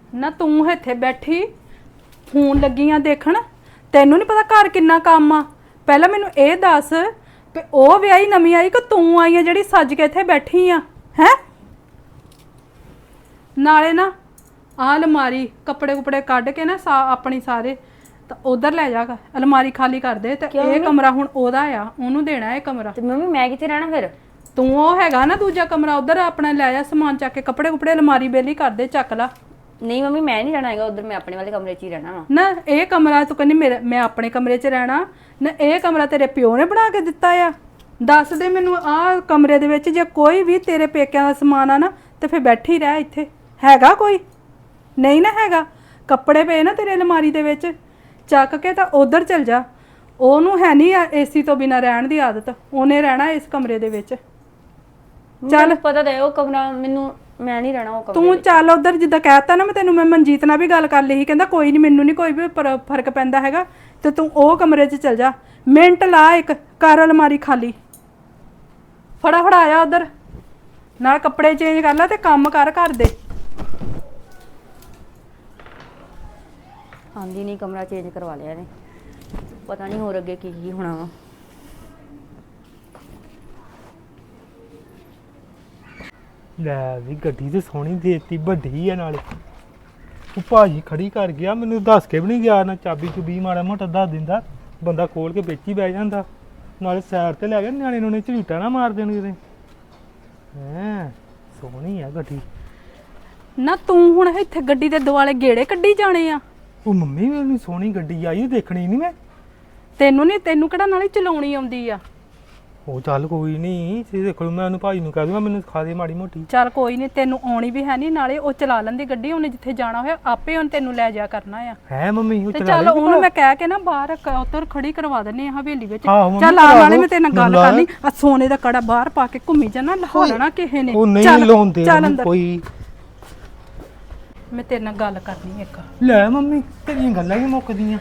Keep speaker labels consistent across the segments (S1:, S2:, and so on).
S1: ਨਾ ਤੂੰ ਇੱਥੇ ਬੈਠੀ ਫੋਨ ਲੱਗੀਆਂ ਦੇਖਣ, ਤੈਨੂੰ ਨਹੀਂ ਪਤਾ ਘਰ ਕਿੰਨਾ ਕੰਮ ਆ। ਪਹਿਲਾਂ ਮੈਨੂੰ ਇਹ ਦੱਸ ਕਿ ਉਹ ਵਿਆਹੀ ਨਵੀਂ ਆਈ ਕਿ ਤੂੰ ਆਈ ਆ ਜਿਹੜੀ ਸੱਜ ਕੇ ਇੱਥੇ ਬੈਠੀ ਆ ਹੈ। ਨਾਲੇ ਨਾ ਆਹ ਅਲਮਾਰੀ ਕੱਪੜੇ ਕੁਪੜੇ ਕੱਢ ਕੇ ਨਾ ਆਪਣੀ ਸਾਰੇ ਤਾਂ ਉਧਰ ਲੈ ਜਾ, ਅਲਮਾਰੀ ਖਾਲੀ ਕਰ ਦੇ। ਤੇ ਇਹ ਕਮਰਾ ਹੁਣ ਉਹਦਾ ਆ, ਉਹਨੂੰ ਦੇਣਾ ਇਹ ਕਮਰਾ।
S2: ਤੇ ਮੰਮੀ ਮੈਂ ਕਿੱਥੇ ਰਹਿਣਾ ਫਿਰ?
S1: ਤੂੰ ਉਹ ਹੈਗਾ ਨਾ ਦੂਜਾ ਕਮਰਾ, ਉਧਰ ਆਪਣਾ ਲੈ ਜਾ ਸਮਾਨ ਚੱਕ ਕੇ, ਕੱਪੜੇ ਕੁਪੜੇ ਅਲਮਾਰੀ ਬੇਲੀ ਕਰ ਦੇ, ਚੱਕ ਲਾ।
S2: ਨਹੀਂ ਮੰਮੀ ਮੈਂ ਨਹੀਂ ਰਹਿਣਾ ਹੈਗਾ ਉਧਰ, ਮੈਂ ਆਪਣੇ ਵਾਲੇ ਕਮਰੇ 'ਚ ਹੀ ਰਹਿਣਾ ਵਾ
S1: ਨਾ। ਇਹ ਕਮਰਾ ਤੂੰ ਕਹਿੰਦੀ ਮੈਂ ਆਪਣੇ ਕਮਰੇ 'ਚ ਰਹਿਣਾ ਨਾ, ਇਹ ਕਮਰਾ ਤੇਰੇ ਪਿਓ ਨੇ ਬਣਾ ਕੇ ਦਿੱਤਾ ਆ। ਦੱਸ ਦੇ ਮੈਨੂੰ, ਆਹ ਕਮਰੇ ਦੇ ਵਿੱਚ ਜੇ ਕੋਈ ਵੀ ਤੇਰੇ ਪੇਕਿਆਂ ਦਾ ਸਮਾਨ ਆ ਨਾ ਤੇ ਫਿਰ ਬੈਠੀ ਰਹਿ। ਇੱਥੇ ਹੈਗਾ ਕੋਈ? ਨਹੀਂ ਨਾ ਹੈਗਾ। ਕੱਪੜੇ ਪਏ ਨਾ ਤੇਰੇ ਅਲਮਾਰੀ ਦੇ ਵਿੱਚ, ਚੱਕ ਕੇ ਤਾਂ ਉਧਰ ਚਲ ਜਾ। ਉਹਨੂੰ ਹੈ ਨਹੀਂ ਏਸੀ ਤੋਂ ਬਿਨਾਂ ਰਹਿਣ ਦੀ ਆਦਤ, ਉਹਨੇ ਰਹਿਣਾ ਇਸ ਕਮਰੇ ਦੇ ਵਿੱਚ।
S2: ਚੱਲ ਪਤਾ ਤੇ ਉਹ ਕਮਰਾ ਮੈਨੂੰ, ਮੈਂ ਨਹੀਂ ਰਹਿਣਾ ਉਹ ਕਮਰੇ।
S1: ਤੂੰ ਚੱਲ ਉਧਰ, ਜਿੱਦਾਂ ਕਹਿਤਾ ਨਾ ਮੈਂ ਤੈਨੂੰ, ਮੈਂ ਮਨਜੀਤ ਨਾਲ ਵੀ ਗੱਲ ਕਰ ਲਈ ਸੀ, ਕਹਿੰਦਾ ਕੋਈ ਨਹੀਂ, ਮੈਨੂੰ ਨਹੀਂ ਕੋਈ ਵੀ ਫਰਕ ਪੈਂਦਾ ਹੈਗਾ, ਤੇ ਤੂੰ ਉਹ ਕਮਰੇ 'ਚ ਚਲ ਜਾ। ਮਿੰਟ ਲਾ, ਇੱਕ ਕਰ ਅਲਮਾਰੀ ਖਾਲੀ, ਫਟਾਫਟ ਆ ਜਾ ਉਧਰ, ਨਾਲ ਕੱਪੜੇ ਚੇਂਜ ਕਰ ਲੈ ਤੇ ਕੰਮ ਕਰ ਘਰ ਦੇ।
S2: ਆਂਦੀ ਨਹੀਂ, ਕਮਰਾ ਚੇਂਜ ਕਰਵਾ ਲਿਆ ਨੇ, ਪਤਾ ਨਹੀਂ ਹੋਰ ਅੱਗੇ ਕੀ ਕੀ ਹੋਣਾ ਵਾ।
S3: ਲੈ ਵੀ ਗੱਡੀ ਤੇ ਸੋਹਣੀ ਦੇਤੀ, ਵੱਡੀ ਆ ਨਾਲੇ। ਉਹ ਭਾਜੀ ਖੜੀ ਕਰ ਗਿਆ, ਮੈਨੂੰ ਦੱਸ ਕੇ ਵੀ ਨਹੀਂ ਗਿਆ, ਨਾ ਚਾਬੀ ਚੁਬੀ ਮਾੜਾ ਮੋਟਾ ਦੱਸ ਦਿੰਦਾ, ਬੰਦਾ ਖੋਲ ਕੇ ਵਿੱਚ ਹੀ ਬਹਿ ਜਾਂਦਾ। ਨਾਲੇ ਸਾਈਡ ਤੇ ਲੈ ਗਿਆ, ਨਿਆਣੇ ਨੂੰ ਝਰੀਟਾ ਨਾ ਮਾਰ ਦੇਣ ਕਿਤੇ। ਹੈਂ ਸੋਹਣੀ ਆ ਗੱਡੀ।
S1: ਨਾ ਤੂੰ ਹੁਣ ਇੱਥੇ ਗੱਡੀ ਦੇ ਦੁਆਲੇ ਗੇੜੇ ਕੱਢੀ ਜਾਣੇ ਆ।
S3: ਉਹ ਮੰਮੀ ਮੈਨੂੰ ਸੋਹਣੀ ਗੱਡੀ ਆਈ, ਦੇਖਣੀ ਨਹੀਂ ਮੈਂ।
S1: ਤੈਨੂੰ ਕਿਹੜਾ ਨਾਲੇ ਚਲਾਉਣੀ ਆਉਂਦੀ ਆ?
S3: ਉਹ ਚੱਲ ਕੋਈ ਨਹੀਂ, ਤੁਸੀਂ ਦੇਖ ਲਓ, ਮੈਂ ਉਹਨੂੰ ਭਾਜੀ ਨੂੰ ਕਹਿ ਦੂੰਗਾ ਮੈਨੂੰ ਸਿਖਾ ਦੇ ਮਾੜੀ ਮੋਟੀ।
S1: ਚੱਲ ਕੋਈ ਨਹੀਂ, ਤੈਨੂੰ ਆਉਣੀ ਵੀ ਹੈ ਨਹੀਂ, ਨਾਲੇ ਉਹ ਚਲਾ ਲੈਂਦੀ ਗੱਡੀ, ਉਹਨੇ ਜਿੱਥੇ ਜਾਣਾ ਹੋਇਆ ਆਪੇ ਉਹਨੇ ਤੈਨੂੰ ਲੈ ਜਾ ਕਰਨਾ ਆ।
S3: ਹੈ ਮੰਮੀ ਉਹ
S1: ਤੇ
S3: ਚਲਾ
S1: ਚੱਲ
S3: ਲੈਂਦੀ
S1: ਉਹਨੂੰ ਮੈਂ ਕਹਿ ਕੇ ਨਾ ਬਾਹਰ ਉੱਧਰ ਖੜੀ ਕਰਵਾ ਦਿੰਨੀ ਆ ਹਵੇਲੀ ਵਿੱਚ।
S3: ਆਹੋ
S1: ਚੱਲ ਆ, ਨਾਲੇ ਮੈਂ ਤੇਰੇ ਨਾਲ ਗੱਲ ਕਰਨੀ ਆ। ਸੋਨੇ ਦਾ ਕੜਾ ਬਾਹਰ ਪਾ ਕੇ ਘੁੰਮੀ ਜਾਣਾ, ਲਹਾ ਲੈਣਾ ਕਿਸੇ ਨੇ।
S3: ਉਹ ਨਹੀਂ ਲਾਉਂਦੇ ਕੋਈ।
S1: ਮੈਂ ਤੇਰੇ ਨਾਲ ਗੱਲ ਕਰਨੀ ਇੱਕ।
S3: ਲੈ ਮੰਮੀ ਤੇਰੀਆਂ ਗੱਲਾਂ ਹੀ ਮੁੱਕਦੀਆਂ।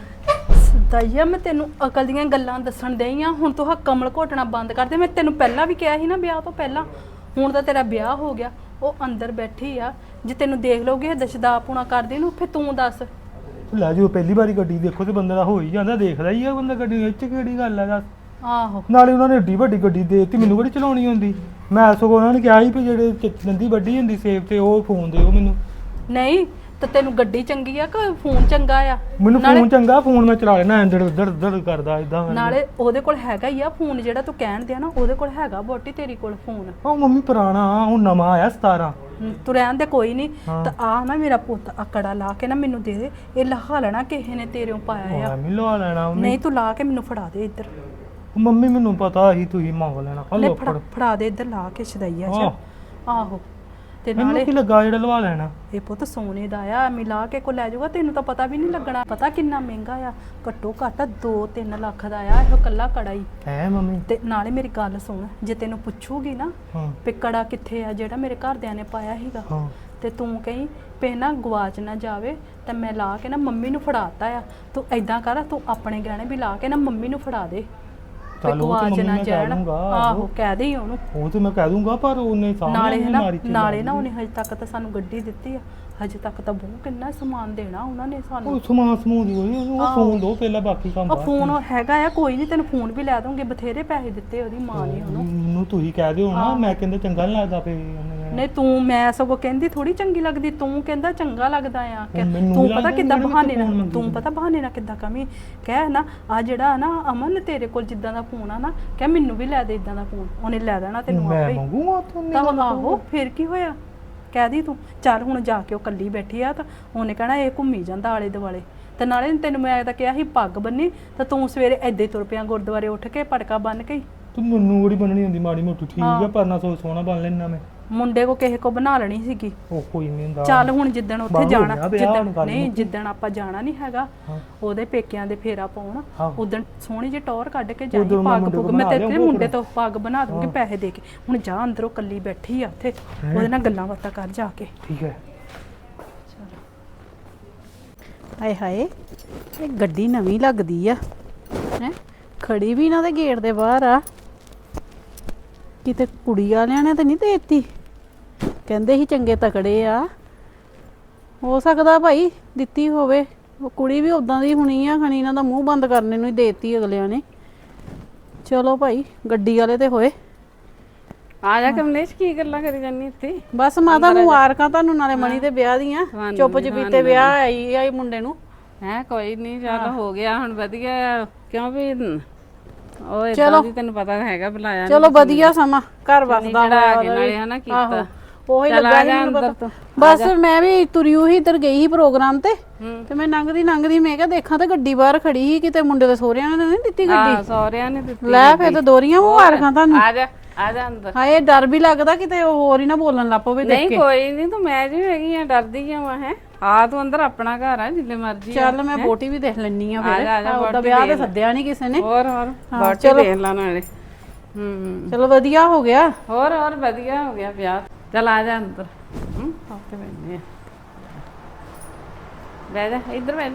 S1: ਦਈਆ ਮੈਂ ਤੈਨੂੰ ਅਕਲ ਦੀਆਂ ਗੱਲਾਂ ਦੱਸਣ ਡਈ ਆ, ਹੁਣ ਤੂੰ ਹਾ ਕਮਲ ਘੋਟਣਾ ਬੰਦ ਕਰ ਦੇ। ਮੈਂ ਤੈਨੂੰ ਪਹਿਲਾਂ ਵੀ ਕਿਹਾ ਸੀ ਨਾ ਵਿਆਹ ਤੋਂ ਪਹਿਲਾਂ, ਹੁਣ ਤਾਂ ਤੇਰਾ ਵਿਆਹ ਹੋ ਗਿਆ, ਉਹ ਅੰਦਰ ਬੈਠੀ ਆ, ਜੇ ਤੈਨੂੰ ਦੇਖ ਲਓਗੇ ਦਸ਼ਦਾ ਪੂਣਾ ਕਰਦੀ ਨੂੰ, ਫਿਰ ਤੂੰ ਦੱਸ।
S3: ਲੈ ਜੋ ਪਹਿਲੀ ਵਾਰੀ ਗੱਡੀ ਦੇਖੋ ਤੇ ਬੰਦੇ ਦਾ ਹੋ ਹੀ ਜਾਂਦਾ, ਦੇਖਦਾ ਹੀ ਆ ਬੰਦਾ ਗੱਡੀ ਵਿੱਚ, ਕਿਹੜੀ ਗੱਲ ਆ ਦੱਸ।
S1: ਆਹੋ
S3: ਨਾਲੇ ਉਹਨਾਂ ਨੇ ਏਡੀ ਵੱਡੀ ਗੱਡੀ ਦੇ ਦਿੱਤੀ, ਮੈਨੂੰ ਕਿਹੜੀ ਚਲਾਉਣੀ ਹੁੰਦੀ। ਮੈਂ ਸਗੋਂ ਉਹਨਾਂ ਨੇ ਕਿਹਾ ਸੀ ਵੀ ਜਿਹੜੇ ਦੰਦੀ ਵੱਡੀ ਹੁੰਦੀ ਸੇਬ ਤੇ ਉਹ ਫੋਨ ਦਿਓ ਮੈਨੂੰ।
S1: ਨਹੀਂ ਤੇ ਤੈਨੂੰ ਗੱਡੀ ਚੰਗੀ ਆ ਕਿ ਫੋਨ ਚੰਗਾ ਆ?
S3: ਮੈਨੂੰ ਫੋਨ ਚੰਗਾ, ਫੋਨ ਮੈਂ ਚਲਾ ਲੈਣਾ, ਦੜ ਕਰਦਾ ਇਦਾਂ।
S1: ਨਾਲੇ ਉਹਦੇ ਕੋਲ ਹੈਗਾ ਹੀ ਆ ਫੋਨ, ਜਿਹੜਾ ਤੂੰ ਕਹਿਣ ਦਿਆ ਨਾ, ਉਹਦੇ ਕੋਲ ਹੈਗਾ ਬੋਟੀ ਤੇਰੀ ਕੋਲ ਫੋਨ।
S3: ਉਹ ਮੰਮੀ ਪੁਰਾਣਾ, ਹੁਣ ਨਵਾਂ ਆਇਆ 17।
S1: ਤੂੰ ਰਹਿਣ ਦੇ ਕੋਈ ਨਹੀਂ। ਤਾਂ ਆ ਨਾ ਮੇਰਾ ਪੁੱਤ ਆਕੜਾ ਲਾ ਕੇ ਨਾ ਮੈਨੂੰ ਦੇ ਦੇ, ਇਹ ਲਹਾ ਲੈਣਾ ਕਿਸੇ ਨੇ ਤੇਰੇ ਪਾਇਆ ਆ।
S3: ਮੈਂ ਲਵਾ ਲੈਣਾ।
S1: ਨਹੀਂ ਤੂੰ ਲਾ ਕੇ ਮੈਨੂੰ ਫੜਾ ਦੇ ਇੱਧਰ।
S3: ਮੰਮੀ ਮੈਨੂੰ ਪਤਾ ਸੀ ਤੁਸੀਂ ਮੰਗ ਲੈਣਾ।
S1: ਲੈ ਫੜਾ ਦੇ ਇੱਧਰ, ਲਾ ਕੇ ਛਦਈਆ ਚ। ਆਹੋ ਤੇ ਨਾਲੇ
S3: ਕੀ ਲੱਗਾ ਜਿਹੜਾ ਲਵਾ ਲੈਣਾ?
S1: ਇਹ ਪੁੱਤ ਸੋਨੇ ਦਾ ਆ, ਮਿਲਾ ਕੇ ਕੋ ਲੈ ਜਾਊਗਾ, ਤੈਨੂੰ ਤਾਂ ਪਤਾ ਵੀ ਨਹੀਂ ਲੱਗਣਾ। ਪਤਾ ਕਿੰਨਾ ਮਹਿੰਗਾ ਆ, ਘੱਟੋ ਘੱਟ 2-3 ਲੱਖ ਦਾ ਆ ਇਹ ਕੱਲਾ ਕੜਾ ਹੀ।
S3: ਹੈ ਮੰਮੀ।
S1: ਤੇ ਨਾਲੇ ਮੇਰੀ ਗੱਲ ਸੁਣ, ਜੇ ਤੈਨੂੰ ਪੁੱਛੂਗੀ ਨਾ ਵੀ ਕੜਾ ਕਿੱਥੇ ਆ ਜਿਹੜਾ ਮੇਰੇ ਘਰਦਿਆਂ ਨੇ ਪਾਇਆ ਸੀਗਾ, ਤੇ ਤੂੰ ਕਹੀਂ ਪੇ ਨਾ ਗਵਾਚ ਨਾ ਜਾਵੇ, ਤੇ ਮੈਂ ਲਾ ਕੇ ਨਾ ਮੰਮੀ ਨੂੰ ਫੜਾਤਾ ਆ। ਤੂੰ ਏਦਾਂ ਕਰ, ਤੂੰ ਆਪਣੇ ਗਹਿਣੇ ਵੀ ਲਾ ਕੇ ਨਾ ਮੰਮੀ ਨੂੰ ਫੜਾ ਦੇ, ਗਵਾਚ ਨਾ ਜਾਣ। ਆਹੋ ਕਹਿ ਦੇ ਉਹਨੂੰ।
S3: ਉਹ ਤੇ ਮੈਂ ਕਹਿ ਦੂੰਗਾ, ਪਰ ਉਹਨੇ
S1: ਨਾਲੇ ਨਾ ਉਹਨੇ ਹਜੇ ਤੱਕ ਤਾਂ ਸਾਨੂੰ ਗੱਡੀ ਦਿੱਤੀ ਆ, ਹਜੇ ਤੱਕ ਤਾਂ ਬਹੁਤ ਕਿੰਨਾ ਸਮਾਨ ਦੇਣਾ ਉਹਨਾਂ ਨੇ ਸਾਨੂੰ।
S3: ਉਹ ਸਮਾਨ ਸਮੂਹ ਦੀ ਉਹਨੂੰ ਫੋਨ ਦੋ ਪਹਿਲਾਂ, ਬਾਕੀ ਕੰਮ
S1: ਬਾਅਦ। ਫੋਨ ਹੈਗਾ ਆ, ਕੋਈ ਨਹੀਂ ਤੈਨੂੰ ਫੋਨ ਵੀ ਲੈ ਦੂੰਗੇ, ਬਥੇਰੇ ਪੈਸੇ ਦਿੱਤੇ ਉਹਦੀ ਮਾਂ ਨੇ ਉਹਨੂੰ।
S3: ਮੈਨੂੰ ਤੁਸੀਂ ਕਹਿ ਦਿਓ ਨਾ, ਮੈਂ ਕਹਿੰਦਾ ਚੰਗਾ ਨਹੀਂ ਲੱਗਦਾ ਪਏ।
S1: ਨਹੀਂ ਤੂੰ, ਮੈਂ ਸਗੋਂ ਕਹਿੰਦੀ ਥੋੜੀ ਚੰਗੀ ਲੱਗਦੀ, ਤੂੰ ਕਹਿੰਦਾ ਚੰਗਾ ਲੱਗਦਾ ਆ। ਤੂੰ ਪਤਾ ਕਿੱਦਾਂ ਬਹਾਨੇ ਨਾਲ, ਤੂੰ ਪਤਾ ਬਹਾਨੇ ਨਾਲ ਕਿੱਦਾਂ ਕਮੀ ਕਹਿ ਨਾ, ਆ ਜਿਹੜਾ ਨਾ ਅਮਨ ਤੇਰੇ ਕੋਲ ਜਿੱਦਾਂ ਦਾ ਫੋਨ ਆ ਨਾ, ਕਹਿ ਮੈਨੂੰ ਵੀ ਲੈ ਦੇ ਇਦਾਂ ਦਾ ਫੋਨ, ਉਹਨੇ ਲੈ ਦੇਣਾ ਤੈਨੂੰ ਆਪੇ।
S3: ਮੈਂ ਮੰਗੂਗਾ
S1: ਤਾਂ ਆਹੋ ਫਿਰ ਕੀ ਹੋਇਆ, ਕਹਿ ਦੀ ਤੂੰ। ਚੱਲ ਹੁਣ ਜਾ ਕੇ ਉਹ ਕੱਲੀ ਬੈਠੀ ਆ, ਤਾਂ ਉਹਨੇ ਕਹਿਣਾ ਇਹ ਘੁੰਮੀ ਜਾਂਦਾ ਆਲੇ ਦੁਆਲੇ। ਤੇ ਨਾਲੇ ਤੈਨੂੰ ਮੈਂ ਤਾਂ ਕਿਹਾ ਸੀ ਪੱਗ ਬੰਨੀ, ਤਾਂ ਤੂੰ ਸਵੇਰੇ ਏਦਾਂ ਹੀ ਤੁਰ ਪਿਆ ਗੁਰਦੁਆਰੇ ਉੱਠ ਕੇ ਪਟਕਾ ਬੰਨ ਕੇ।
S3: ਤੂੰ ਮੈਨੂੰ ਕਿਹੜੀ ਬੰਨਣੀ ਹੁੰਦੀ ਮਾੜੀ ਮੋਟੀ, ਠੀਕ ਆ, ਪਰ ਨਾ ਸੋਹਣਾ ਬਣ ਲੈਣਾ ਮੈਂ।
S1: ਮੁੰਡੇ ਕੋ ਕਿਸੇ ਕੋ ਬਣਾ ਲੈਣੀ ਸੀਗੀ।
S3: ਉਹ ਕੋਈ ਨਹੀਂ ਹੁੰਦਾ।
S1: ਚੱਲ ਹੁਣ ਜਿੱਦਣ ਉੱਥੇ ਜਾਣਾ, ਜਿੱਦਣ ਆਪਾਂ ਜਾਣਾ ਨਹੀਂ ਹੈਗਾ ਉਹਦੇ ਪੇਕਿਆਂ ਦੇ ਫੇਰਾ ਪਾਉਣ, ਉਦਣ ਸੋਹਣੀ ਜਿਹੀ ਟੌਰ ਕੱਢ ਕੇ ਜਾਈ, ਪੱਗ ਪੁੱਗ ਮੈਂ ਤੇਰੇ ਮੁੰਡੇ ਤੋਂ ਪੱਗ ਬਣਾ ਦੂੰਗੀ ਪੈਸੇ ਦੇ ਕੇ। ਹੁਣ ਜਾ ਅੰਦਰੋਂ ਕੱਲੀ ਬੈਠੀ ਆ ਉੱਥੇ, ਉਹਦੇ ਨਾਲ ਗੱਲਾਂ ਬਾਤਾਂ ਕਰ ਜਾ ਕੇ।
S3: ਠੀਕ ਹੈ।
S1: ਹਾਏ ਹਾਏ, ਇਹ ਗੱਡੀ ਨਵੀਂ ਲੱਗਦੀ ਆ ਹੈ, ਖੜੀ ਵੀ ਇਹਨਾਂ ਦੇ ਗੇਟ ਦੇ ਬਾਹਰ ਆ। ਕਿਤੇ ਕੁੜੀ ਵਾਲਿਆਂ ਨੇ ਤਾਂ ਨਹੀਂ ਦੇਤੀ, ਕਹਿੰਦੇ ਸੀ ਚੰਗੇ ਤਕੜੇ ਆ।
S4: ਹੋ ਸਕਦਾ ਭਾਈ ਦਿੱਤੀ ਹੋਵੇ, ਉਹ ਕੁੜੀ ਵੀ ਉਦਾਂ ਦੀ ਹੋਣੀ ਆ, ਖਣੀ ਇਹਨਾਂ ਦਾ ਮੂੰਹ ਬੰਦ ਕਰਨੇ ਨੂੰ ਹੀ ਦੇਤੀ ਅਗਲਿਆਂ ਨੇ। ਚਲੋ ਭਾਈ ਗੱਡੀ ਵਾਲੇ ਤੇ ਹੋਏ।
S5: ਆ ਜਾ ਕਮਲੇਸ਼, ਕੀ ਗੱਲਾਂ ਕਰੀ ਜਾਂਦੀ ਇੱਥੇ?
S4: ਬਸ ਮਾਤਾ ਮੁਬਾਰਕਾਂ ਤੁਹਾਨੂੰ ਨਾਲੇ ਮਣੀ ਦੇ ਵਿਆਹ ਦੀਆਂ। ਚੁੱਪ ਚਪੀਤੇ ਵਿਆਹ ਆਈ ਮੁੰਡੇ ਨੂੰ।
S5: ਹੈ ਕੋਈ ਨਹੀਂ, ਚੱਲ ਹੋ ਗਿਆ ਹੁਣ ਵਧੀਆ, ਕਿਉਂ ਵੀ ਉਹ ਇਦਾਂ ਦੀ ਤੈਨੂੰ ਪਤਾ ਹੈਗਾ, ਬੁਲਾਇਆ
S4: ਚਲੋ ਵਧੀਆ ਸਮਾਂ ਘਰ ਵਸਦਾ
S5: ਆ ਕੇ ਨਾਲੇ ਹਨਾ ਕੀਤਾ।
S4: ਉਹੀ ਲੱਗਾ ਸੀ ਮੈਨੂੰ ਪਤਾ। ਬਸ ਮੈਂ ਵੀ ਤੁਰੀ ਉਹੀ ਇੱਧਰ ਗਈ ਸੀ ਪ੍ਰੋਗਰਾਮ ਤੇ ਮੈਂ ਲੰਘਦੀ ਮੈਂ ਕਿਹਾ ਦੇਖਾਂ ਤੇ ਗੱਡੀ ਬਾਹਰ ਖੜੀ ਸੀ, ਕਿਤੇ ਮੁੰਡੇ ਦੇ ਸਹੁਰਿਆਂ ਨੇ ਨਹੀਂ ਦਿੱਤੀ ਗੱਡੀ।
S5: ਹਾਂ ਸਹੁਰਿਆਂ ਨੇ ਦਿੱਤੀ।
S4: ਲੈ ਫੇਰ ਤਾਂ ਦੋਰੀਆਂ ਮੁਬਾਰਕਾਂ ਤੁਹਾਨੂੰ।
S5: ਆ ਜਾ ਅੰਦਰ।
S4: ਹਾਏ ਡਰ ਵੀ ਲੱਗਦਾ ਕਿਤੇ ਹੋਰ ਹੀ ਨਾ ਬੋਲਣ ਲੱਗ ਪਵੇ ਦੇਖ
S5: ਨਹੀਂ
S4: ਕੇ।
S5: ਕੋਈ ਨਹੀਂ, ਤੂੰ ਮੈਂ ਜੀ ਹੈਗੀ ਆ, ਡਰਦੀ ਕਿਉਂ ਆ? ਹੈ ਆ ਤੂੰ ਅੰਦਰ, ਆਪਣਾ ਘਰ ਆ, ਜਿੱਲੇ ਮਰਜੀ।
S4: ਚੱਲ ਮੈਂ ਬੋਟੀ ਵੀ ਦੇਖ ਲੈਣੀ ਆ
S5: ਆ ਜਾ,
S4: ਫਿਰ। ਉਹਦਾ ਵਿਆਹ ਤੇ ਸੱਦਿਆ ਨਹੀਂ ਕਿਸੇ ਨੇ।
S5: ਹੋਰ ਬਾਟੀ ਦੇਖ ਲਾ ਨਾਲੇ।
S4: ਚਲੋ ਵਧੀਆ ਹੋ ਗਿਆ।
S5: ਹੋਰ ਵਧੀਆ ਹੋ ਗਿਆ ਵਿਆਹ। ਚੱਲ ਆ ਜਾ ਅੰਦਰ। ਆਤੇ ਬੈਠੇ ਆ, ਬਹਿ ਜਾ ਇੱਧਰ ਬੈਠ।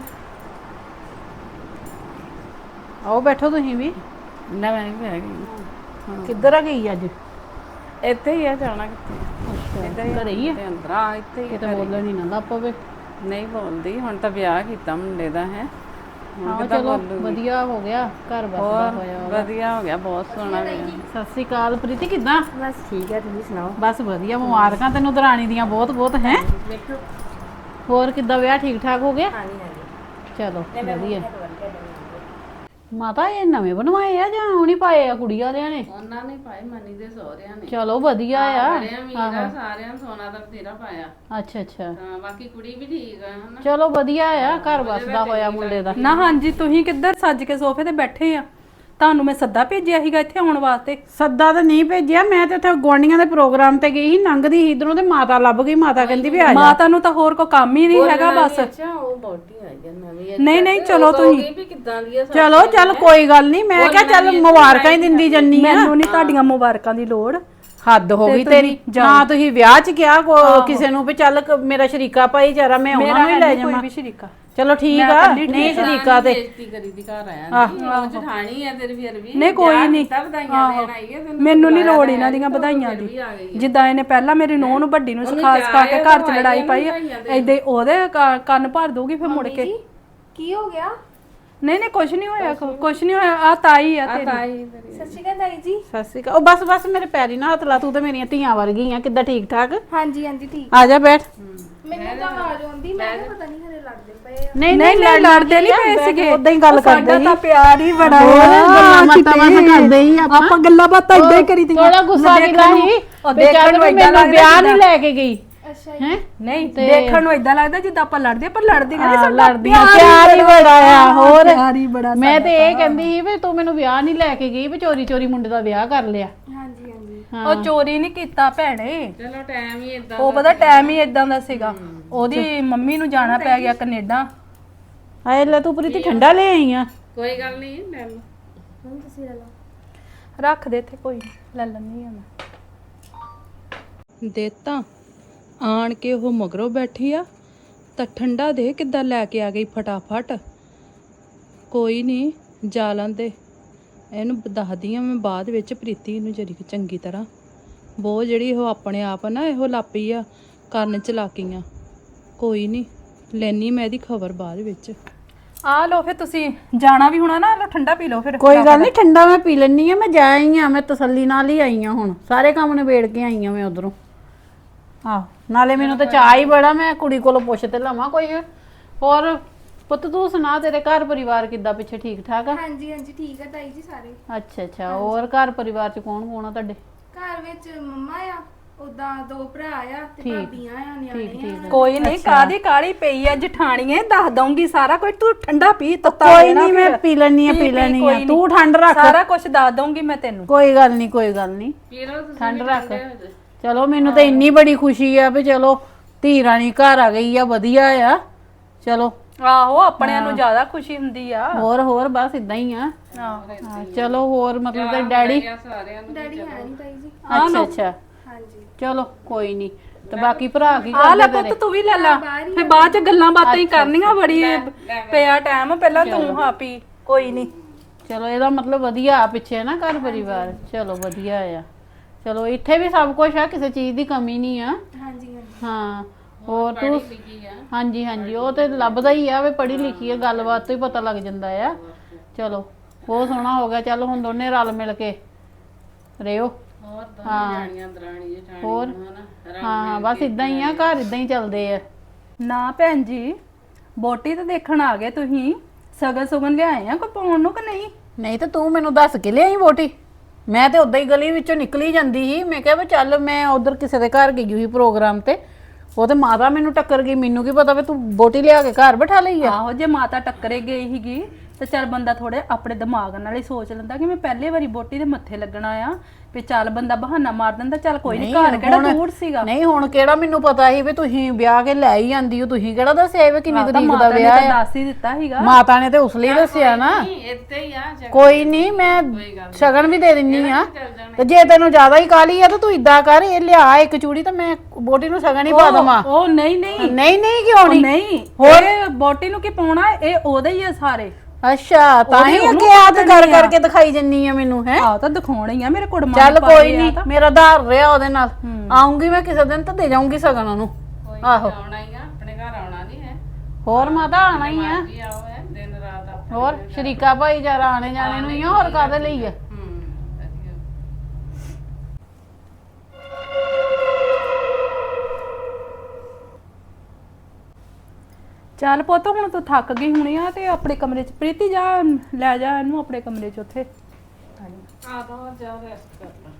S4: ਆਓ ਬੈਠੋ ਤੁਸੀਂ ਵੀ।
S5: ਨਾ ਮੈਂ ਵੀ ਬਹਿ ਗਈ।
S4: ਕਿੱਧਰ ਆ ਗਈ ਅੱਜ?
S5: ਇੱਥੇ ਹੀ ਆ, ਜਾਣਾ ਕਿੱਥੇ? ਇੱਧਰ
S4: ਘਰੇ ਹੀ ਆ?
S5: ਤੇ ਅੰਦਰ ਆ, ਇੱਥੇ ਹੀ।
S4: ਕਿਤੇ ਬੋਲਣ ਹੀ ਨਾ ਲੱਗ ਪਵੇ।
S5: ਨਹੀਂ ਬੋਲਦੀ, ਹੁਣ ਤਾਂ ਵਿਆਹ ਕੀਤਾ ਮੁੰਡੇ ਦਾ। ਹੈ
S4: ਆਹੋ ਚਲੋ ਵਧੀਆ ਹੋ ਗਿਆ, ਘਰ ਬਸਦਾ ਹੋਇਆ।
S5: ਵਧੀਆ ਹੋ ਗਿਆ, ਬਹੁਤ ਸੋਹਣਾ ਵਿਆਹ।
S4: ਸਤਿ ਸ੍ਰੀ ਅਕਾਲ ਪ੍ਰੀਤੀ, ਕਿੱਦਾਂ?
S2: ਬਸ ਠੀਕ ਹੈ, ਤੁਸੀਂ ਸੁਣਾਓ?
S4: ਬਸ ਵਧੀਆ, ਮੁਬਾਰਕਾਂ ਤੈਨੂੰ ਦਰਾਣੀ ਦੀਆਂ ਬਹੁਤ ਬਹੁਤ। ਹੈ ਹੋਰ ਕਿੱਦਾਂ ਵਿਆਹ ਠੀਕ ਠਾਕ ਹੋ ਗਿਆ? ਚਲੋ ਵਧੀਆ। ਮਾਤਾ ਇਹ ਨਵੇਂ ਬਣਵਾਏ ਆ ਜਾਂ ਉਹ ਨਹੀਂ ਪਾਏ ਆ ਕੁੜੀ ਵਾਲਿਆਂ ਨੇ?
S5: ਉਹਨਾਂ ਨੇ ਪਾਏ, ਮਨੀ ਦੇ ਸਹੁਰਿਆਂ ਨੇ।
S4: ਚਲੋ ਵਧੀਆ ਆ।
S5: ਸਾਰਿਆਂ ਨੂੰ ਸੋਨਾ ਦਾ ਬਥੇਰਾ ਪਾਇਆ।
S4: ਅੱਛਾ ਅੱਛਾ,
S5: ਹਾਂ ਬਾਕੀ ਕੁੜੀ ਵੀ ਠੀਕ ਆ ਹਨਾ।
S4: ਚਲੋ ਵਧੀਆ ਆ, ਘਰ ਬਸਦਾ ਹੋਇਆ ਮੁੰਡੇ ਦਾ।
S1: ਨਾ ਹਾਂਜੀ, ਤੁਸੀਂ ਕਿੱਧਰ ਸੱਜ ਕੇ ਸੋਫੇ ਤੇ ਬੈਠੇ ਆ? ਤੁਹਾਨੂੰ ਮੈਂ ਸੱਦਾ ਭੇਜਿਆ ਸੀਗਾ ਇੱਥੇ ਆਉਣ ਵਾਸਤੇ।
S4: ਸੱਦਾ ਤਾਂ ਨਹੀਂ ਭੇਜਿਆ, ਮੈਂ ਤੇ ਉੱਥੇ ਗੁਆਂਢੀਆਂ ਦੇ ਪ੍ਰੋਗਰਾਮ ਤੇ ਗਈ ਸੀ, ਲੰਘਦੀ ਸੀ ਇਧਰੋਂ ਤੇ ਮਾਤਾ ਲੱਭ ਗਈ। ਮਾਤਾ ਕਹਿੰਦੀ ਵੀ ਆ ਜਾ।
S1: ਮਾਤਾ ਨੂੰ ਤਾਂ ਹੋਰ ਕੋਈ ਕੰਮ ਹੀ ਨਹੀਂ ਹੈਗਾ ਬਸ।
S5: ਅੱਛਾ ਉਹ ਬੋਟੀ ਆਈ ਆ ਨਵੀਂ।
S1: ਨਹੀਂ ਚਲੋ ਤੁਸੀਂ।
S5: ਵੀ ਕਿੱਦਾਂ ਦੀ ਆ?
S4: ਚਲੋ ਚੱਲ ਕੋਈ ਗੱਲ ਨਹੀਂ, ਮੈਂ ਕਿਹਾ ਚੱਲ ਮੁਬਾਰਕਾਂ ਹੀ ਦਿੰਦੀ ਜੰਨੀ ਆ।
S1: ਮੈਨੂੰ ਨਹੀਂ ਤੁਹਾਡੀਆਂ ਮੁਬਾਰਕਾਂ ਦੀ ਲੋੜ।
S4: ਹੱਦ ਹੋ ਗਈ ਤੇਰੀ। ਨਾ ਤੁਸੀਂ ਵਿਆਹ 'ਚ ਕਿਹਾ ਕਿਸੇ ਨੂੰ ਵੀ ਚੱਲ ਮੇਰਾ ਸ਼ਰੀਕਾ ਭਾਈਚਾਰਾ ਮੈਂ ਉਹਨਾਂ ਨੂੰ ਹੀ ਲੈ ਜਾਵਾਂ।
S1: ਕੋਈ ਵੀ ਸ਼ਰੀਕਾ।
S4: ਚਲੋ ਠੀਕ ਆ, ਨਹੀਂ ਸ਼ਰੀਕਾ ਤੇ
S5: ਬੇਇੱਜ਼ਤੀ ਕਰੀ ਦੀ ਘਰ ਆਇਆ ਨਹੀਂ। ਉਹ ਜਠਾਣੀ ਆ ਤੇਰੀ ਫਿਰ ਵੀ।
S1: ਨਹੀਂ ਕੋਈ ਨਹੀਂ,
S5: ਵਧਾਈਆਂ ਦੇਣ ਆਈ ਹੈ ਤੈਨੂੰ।
S1: ਮੈਨੂੰ ਨਹੀਂ ਲੋੜ ਇਹਨਾਂ ਦੀਆਂ ਵਧਾਈਆਂ ਦੀ। ਜਿੱਦਾਂ ਇਹਨੇ ਪਹਿਲਾਂ ਮੇਰੀ ਨੂੰਹ ਨੂੰ ਵੱਡੀ ਨੂੰ ਸਿਖਾ ਕੇ ਘਰ 'ਚ ਲੜਾਈ ਪਾਈ, ਏਦਾਂ ਉਹਦੇ ਕੰਨ ਭਰ ਦਊਗੀ ਫਿਰ ਮੁੜ ਕੇ।
S2: ਕੀ ਹੋ ਗਿਆ?
S1: ਨਹੀਂ ਕੁਝ ਨਹੀਂ ਹੋਇਆ, ਕੁਝ ਨਹੀਂ ਹੋਇਆ। ਆ ਤਾਈ ਆ ਤੇਰੀ।
S2: ਸਤਿ ਸ਼੍ਰੀ ਅਕਾਲ ਤਾਈ ਜੀ।
S4: ਸਤਿ ਸ਼੍ਰੀ ਅਕਾਲ। ਉਹ ਬਸ ਮੇਰੇ ਪੈਰੀ ਨਾ ਹੱਥ ਲਾ, ਤੂੰ ਤੇ ਮੇਰੀਆਂ ਧੀਆਂ ਵਰਗੀ ਆ। ਕਿੱਦਾਂ ਠੀਕ ਠਾਕ?
S2: ਹਾਂਜੀ ਠੀਕ।
S4: ਆ ਜਾ ਬੈਠ।
S2: ਮੈਨੂੰ ਤਾਂ ਆਵਾਜ਼ ਆਉਂਦੀ, ਮੈਂ ਕਿਹਾ ਪਤਾ ਨਹੀਂ ਘਰੇ ਲੜਦੇ ਪਏ ਆ।
S4: ਨਹੀਂ
S1: ਲੜਦੇ ਨਹੀਂ ਪਏ ਸੀਗੇ,
S4: ਉਦਾਂ ਹੀ ਗੱਲ ਕਰਦੇ
S1: ਸਾਡਾ ਤਾਂ ਪਿਆਰ ਹੀ ਬੜਾ
S4: ਗੱਲਾਂ ਬਾਤਾਂ ਕਰਦੇ ਹੀ
S1: ਆਪਾਂ ਗੱਲਾਂ ਬਾਤਾਂ ਇਦਾਂ ਹੀ ਕਰੀਦੀਆਂ।
S4: ਥੋੜਾ ਗੁੱਸਾ ਕਿਲਾ ਸੀ
S1: ਉਹ ਦੇਖਣ ਨੂੰ ਇਦਾਂ ਲੱਗਦਾ
S4: ਵਿਆਹ ਨਹੀਂ ਲੈ ਕੇ ਗਈ।
S2: ਅੱਛਾ
S4: ਹੈ
S1: ਨਹੀਂ, ਦੇਖਣ ਨੂੰ ਇਦਾਂ ਲੱਗਦਾ ਜਿੱਦਾਂ ਆਪਾਂ ਲੜਦੇ, ਪਰ ਲੜਦੀਆਂ ਨਹੀਂ। ਸਾਡਾ
S4: ਲੜਦੀਆਂ ਪਿਆਰ ਹੀ ਬੜਾ ਆ। ਹੋਰ
S1: ਪਿਆਰ ਹੀ ਬੜਾ।
S4: ਮੈਂ ਤੇ ਇਹ ਕਹਿੰਦੀ ਸੀ ਵੀ ਤੂੰ ਮੈਨੂੰ ਵਿਆਹ ਨਹੀਂ ਲੈ ਕੇ ਗਈ, ਵੀ ਚੋਰੀ ਮੁੰਡੇ ਦਾ ਵਿਆਹ ਕਰ ਲਿਆ।
S2: ਹਾਂਜੀ
S1: ਉਹ ਚੋਰੀ ਨਹੀਂ ਕੀਤਾ ਭੈਣੇ,
S5: ਚਲੋ ਟਾਈਮ ਹੀ ਇਦਾਂ।
S1: ਉਹ ਪਤਾ ਟਾਈਮ ਹੀ ਇਦਾਂ ਦਾ ਸੀਗਾ। ਉਹਦੀ ਮੰਮੀ ਨੂੰ ਜਾਣਾ ਪੈ ਗਿਆ ਕੈਨੇਡਾ।
S4: ਹਾਏ ਲੈ ਤੂੰ ਪ੍ਰੀਤੀ ਠੰਡਾ ਲੈ ਆਈ ਆ।
S5: ਕੋਈ ਗੱਲ ਨਹੀਂ, ਲੈ ਲਓ।
S2: ਹੁਣ ਤੁਸੀਂ ਲੈ ਲਓ।
S1: ਰੱਖ ਦੇ ਇੱਥੇ, ਕੋਈ ਲੈ ਲੈਣੀ ਆ ਮੈਂ। ਦੇਤਾ ਆਣ ਕੇ ਉਹ ਮਗਰੋਂ ਬੈਠੀ ਆ ਤਾਂ ਠੰਡਾ ਦੇ ਕਿੱਦਾਂ ਲੈ ਕੇ ਆ ਗਈ ਫਟਾਫਟ। ਕੋਈ ਨਹੀਂ, ਜਾ ਲੈਂਦੇ ਇਹਨੂੰ। ਦੱਸਦੀ ਆ ਮੈਂ ਬਾਅਦ ਵਿੱਚ ਪ੍ਰੀਤੀ ਨੂੰ ਜਰੀ ਚੰਗੀ ਤਰ੍ਹਾਂ। ਬਹੁਤ ਜਿਹੜੀ ਉਹ ਆਪਣੇ ਆਪ ਨਾ ਇਹੋ ਲਾਪੀ ਆ ਕਰਨ ਚਲਾਕੀਆਂ। ਕੋਈ ਨਹੀਂ, ਲੈਣੀ ਮੈਂ ਇਹਦੀ ਖਬਰ ਬਾਅਦ ਵਿੱਚ। ਆ ਲਓ ਫਿਰ, ਤੁਸੀਂ ਜਾਣਾ ਵੀ ਹੋਣਾ ਨਾ, ਲਓ ਠੰਡਾ ਪੀ ਲਓ ਫਿਰ।
S4: ਕੋਈ ਗੱਲ ਨਹੀਂ, ਠੰਡਾ ਮੈਂ ਪੀ ਲੈਣੀ ਆ। ਮੈਂ ਜਾ ਆਈ ਆ, ਮੈਂ ਤਸੱਲੀ ਨਾਲ ਹੀ ਆਈ ਆ। ਹੁਣ ਸਾਰੇ ਕੰਮ ਨਿਬੇੜ ਕੇ ਆਈ ਆ ਮੈਂ ਉਧਰੋਂ। ਆਹ ਨਾਲੇ ਮੈਨੂੰ ਤਾਂ ਚਾਹ ਹੀ ਬੜਾ, ਮੈਂ ਕੁੜੀ ਕੋਲੋਂ ਪੁੱਛ ਤੇ ਲਵਾਂ ਕੋਈ ਹੋਰ। ਪੁੱਤ ਤੂੰ ਸੁਣਾ, ਤੇਰੇ ਘਰ ਪਰਿਵਾਰ ਕਿੱਦਾਂ ਪਿੱਛੇ ਠੀਕ ਠਾਕ ਆ?
S2: ਹਾਂਜੀ ਠੀਕ ਆ ਤਾਈ ਜੀ ਸਾਰੇ।
S4: ਅੱਛਾ ਹੋਰ ਘਰ ਪਰਿਵਾਰ ਚ ਕੌਣ ਆ ਤੁਹਾਡੇ?
S2: ਘਰ ਵਿੱਚ ਮੰਮਾ ਆ, ਉਦਾਂ 2 ਭਰਾ ਆ ਤੇ ਭਾਬੀਆਂ ਆ, ਨਿਆਣੇ ਆ।
S1: ਕੋਈ ਨਹੀਂ, ਕਾਦੀ ਕਾਲੀ ਪਈ ਆ ਜਠਾਣੀਏ, ਦੱਸ ਦਊਂਗੀ ਸਾਰਾ ਕੁਝ। ਤੂੰ ਠੰਡਾ ਪੀ, ਤੱਤਾ
S4: ਕੋਈ ਨਹੀਂ, ਮੈਂ ਪੀ ਲੈਣੀ ਆ। ਤੂੰ ਠੰਡ ਰੱਖ,
S1: ਸਾਰਾ ਕੁਝ ਦੱਸ ਦਊਂਗੀ ਮੈਂ ਤੈਨੂੰ।
S4: ਕੋਈ ਗੱਲ ਨਹੀਂ
S5: ਪੀ ਲਓ ਤੁਸੀਂ।
S4: ਠੰਡ ਰੱਖ। ਚਲੋ ਮੈਨੂੰ ਤਾਂ ਇੰਨੀ ਬੜੀ ਖੁਸ਼ੀ ਆ ਵੀ ਚਲੋ ਧੀ ਰਾਣੀ ਘਰ ਆ ਗਈ ਆ, ਵਧੀਆ ਆ। ਚਲੋ
S1: ਆਹੋ, ਆਪਣਿਆਂ ਨੂੰ ਜ਼ਿਆਦਾ ਖੁਸ਼ੀ ਹੁੰਦੀ ਆ।
S4: ਹੋਰ ਬਸ ਇਦਾਂ ਹੀ ਆ। ਚਲੋ ਹੋਰ ਮਤਲਬ ਤੇ ਡੈਡੀ
S5: ਸਾਰਿਆਂ ਨੂੰ
S2: ਡੈਡੀ ਹੈ ਨਹੀਂ ਤਾਈ ਜੀ।
S4: ਅੱਛਾ
S2: ਹਾਂਜੀ
S4: ਚਲੋ ਕੋਈ ਨਹੀਂ। ਤੇ ਬਾਕੀ ਭਰਾ ਕੀ
S1: ਆ ਲੈ
S4: ਕਰਦੇ
S1: ਪੁੱਤ, ਤੂੰ ਵੀ ਲੈ ਲਾ, ਫਿਰ ਬਾਅਦ ਚ ਗੱਲਾਂ ਬਾਤਾਂ ਹੀ ਕਰਨੀਆਂ। ਬੜੀ ਪਿਆ ਟਾਈਮ, ਪਹਿਲਾਂ ਤੂੰ ਹਾਂ ਪੀ। ਕੋਈ ਨਹੀਂ,
S4: ਚਲੋ ਇਹਦਾ ਮਤਲਬ ਵਧੀਆ ਆ ਪਿੱਛੇ ਨਾ ਘਰ ਪਰਿਵਾਰ। ਚਲੋ ਵਧੀਆ ਆ। ਚਲੋ ਇੱਥੇ ਵੀ ਸਭ ਕੁਝ ਆ, ਕਿਸੇ ਚੀਜ਼ ਦੀ ਕਮੀ ਨਹੀਂ ਆ।
S2: ਹਾਂਜੀ
S4: ਹਾਂ ਹੋਰ ਤੂੰ ਹਾਂਜੀ ਹਾਂਜੀ ਉਹ ਤੇ ਲੱਭਦਾ ਹੀ ਆ ਵੀ ਪੜ੍ਹੀ ਲਿਖੀ ਆ, ਗੱਲਬਾਤ ਤੋਂ ਹੀ ਪਤਾ ਲੱਗ ਜਾਂਦਾ ਆ। ਚਲੋ ਬਹੁਤ ਸੋਹਣਾ ਹੋ ਗਿਆ। ਚੱਲ ਹੁਣ ਦੋਨੇ ਰਲ ਮਿਲ ਕੇ ਰਿਓ।
S5: ਹੋਰ ਦੋਵੇਂ ਜਾਣੀਆਂ ਦਰਾਣੀ ਜਠਾਣੀ
S4: ਹੋਰ
S5: ਹਨਾ
S4: ਹਾਂ ਬਸ ਇਦਾਂ ਹੀ ਆ, ਘਰ ਇਦਾਂ ਹੀ ਚੱਲਦੇ ਆ।
S1: ਨਾ ਭੈਣ ਜੀ, ਬੋਟੀ ਤਾਂ ਦੇਖਣ ਆ ਗਏ ਤੁਸੀਂ, ਸਗਨ ਸੁਗਨ ਲਿਆਏ ਆ ਕੋਈ ਪਾਉਣ ਨੂੰ ਕਿ ਨਹੀਂ?
S4: ਨਹੀਂ ਤੇ ਤੂੰ ਮੈਨੂੰ ਦੱਸ ਕੇ ਲਿਆਈ ਵੋਟੀ। ਮੈਂ ਤੇ ਉਦਾਂ ਹੀ ਗਲੀ ਵਿੱਚੋਂ ਨਿਕਲੀ ਜਾਂਦੀ ਸੀ, ਮੈਂ ਕਿਹਾ ਵੀ ਚੱਲ ਮੈਂ ਉਧਰ ਕਿਸੇ ਦੇ ਘਰ ਗਈ ਹੋਈ ਪ੍ਰੋਗਰਾਮ ਤੇ, ਉਹ ਤੇ ਮਾਤਾ ਮੈਨੂੰ ਟੱਕਰ ਗਈ। ਮੈਨੂੰ ਕੀ ਪਤਾ ਵੀ ਤੂੰ ਬੋਟੀ ਲਿਆ ਕੇ ਘਰ ਬਿਠਾ ਲਈ ਆ।
S1: ਆਹੋ, ਜੇ ਮਾਤਾ ਟੱਕਰੇ ਗਈ ਸੀਗੀ ਤੇ ਚੱਲ ਬੰਦਾ ਥੋੜੇ ਆਪਣੇ ਦਿਮਾਗ ਨਾਲ ਹੀ ਸੋਚ ਲੈਂਦਾ ਕਿ ਮੈਂ ਪਹਿਲੇ ਵਾਰੀ ਬੋਟੀ ਦੇ ਮੱਥੇ ਲੱਗਣਾ ਆ, ਵੀ ਚੱਲ ਬੰਦਾ ਬਹਾਨਾ ਮਾਰ ਦਿੰਦਾ, ਚੱਲ ਕੋਈ ਨਹੀਂ, ਘਰ ਕਿਹੜਾ ਦੂਰ ਸੀਗਾ।
S4: ਨਹੀਂ ਹੁਣ ਕਿਹੜਾ ਮੈਨੂੰ ਪਤਾ ਸੀ ਵੀ ਤੁਸੀਂ ਵਿਆਹ ਕੇ ਲੈ ਹੀ ਆਂਦੀ ਹੋ, ਤੁਸੀਂ ਕਿਹੜਾ ਦੱਸਿਆ ਵੀ ਕਿੰਨੀ ਤਰੀਕ ਦਾ ਵਿਆਹ ਹੈ?
S1: ਦੱਸ ਹੀ ਦਿੱਤਾ ਸੀਗਾ
S4: ਮਾਤਾ ਨੇ ਤੇ ਉਸ ਲਈ ਦੱਸਿਆ ਨਾ।
S5: ਇੱਥੇ ਹੀ ਆ
S4: ਕੋਈ ਨਹੀਂ, ਮੈਂ ਸ਼ਗਨ ਵੀ ਦੇ ਦਿੰਨੀ ਆ। ਤੇ ਜੇ ਤੈਨੂੰ ਜ਼ਿਆਦਾ ਹੀ ਕਾਲੀ ਆ ਤਾਂ ਤੂੰ ਇਦਾਂ ਕਰ, ਇਹ ਲਿਆ ਇੱਕ ਚੂੜੀ ਤਾਂ ਮੈਂ ਬੋਟੀ ਨੂੰ ਸ਼ਗਨ ਹੀ ਪਾ ਦਵਾਂ।
S1: ਉਹ ਨਹੀਂ ਨਹੀਂ
S4: ਨਹੀਂ ਨਹੀਂ ਕਿਉਂ ਨਹੀਂ?
S1: ਨਹੀਂ, ਹੋਰ ਬੋਟੀ ਨੂੰ ਕੀ ਪਾਉਣਾ, ਇਹ ਉਹਦੇ ਹੀ ਆ ਸਾਰੇ।
S4: ਅੱਛਾ ਤਾਂ ਹੀ ਅੱਗੇ ਹੱਥ ਕਰ ਕਰਕੇ ਦਿਖਾਈ ਜੰਨੀ ਆ ਮੈਨੂੰ ਹੈ।
S1: ਆਹ ਤਾਂ ਦਿਖਾਉਣੀ ਆ ਮੇਰੇ ਕੁੜਮਾ।
S4: ਚੱਲ ਕੋਈ ਨਹੀਂ, ਮੇਰਾ ਧਾਰ ਰਿਹਾ ਉਹਦੇ ਨਾਲ। ਆਉਂਗੀ ਮੈਂ ਕਿਸੇ ਦਿਨ ਤਾਂ ਦੇ ਜਾਊਂਗੀ ਸ਼ਗਨ ਉਹਨੂੰ। ਆਹੋ
S5: ਆਉਣਾ ਹੀ ਆ, ਆਪਣੇ ਘਰ ਆਉਣਾ ਨਹੀਂ ਹੈ।
S4: ਹੋਰ ਮਾਤਾ ਆਣਾ ਹੀ ਆ।
S5: ਜੀ ਆਓ ਹੈ ਦਿਨ ਰਾਤ ਆ।
S4: ਹੋਰ ਸ਼ਰੀਕਾ ਭਾਈਚਾਰਾ ਆਣੇ ਜਾਣੇ ਨੂੰ ਹੀ ਆ, ਹੋਰ ਕਾਹਦੇ ਲਈ ਆ?
S5: ਵਧੀਆ।
S1: ਚੱਲ ਪੁੱਤ, ਹੁਣ ਤੂੰ ਥੱਕ ਗਈ ਹੋਣੀ ਆ ਤੇ ਆਪਣੇ ਕਮਰੇ 'ਚ ਪ੍ਰੀਤੀ ਜਾ, ਲੈ ਜਾ ਇਹਨੂੰ ਆਪਣੇ ਕਮਰੇ 'ਚ ਉੱਥੇ।
S5: ਆ ਤਾਂ ਹੋਰ ਜਾ ਰੈਸਟ ਕਰ ਲੈ।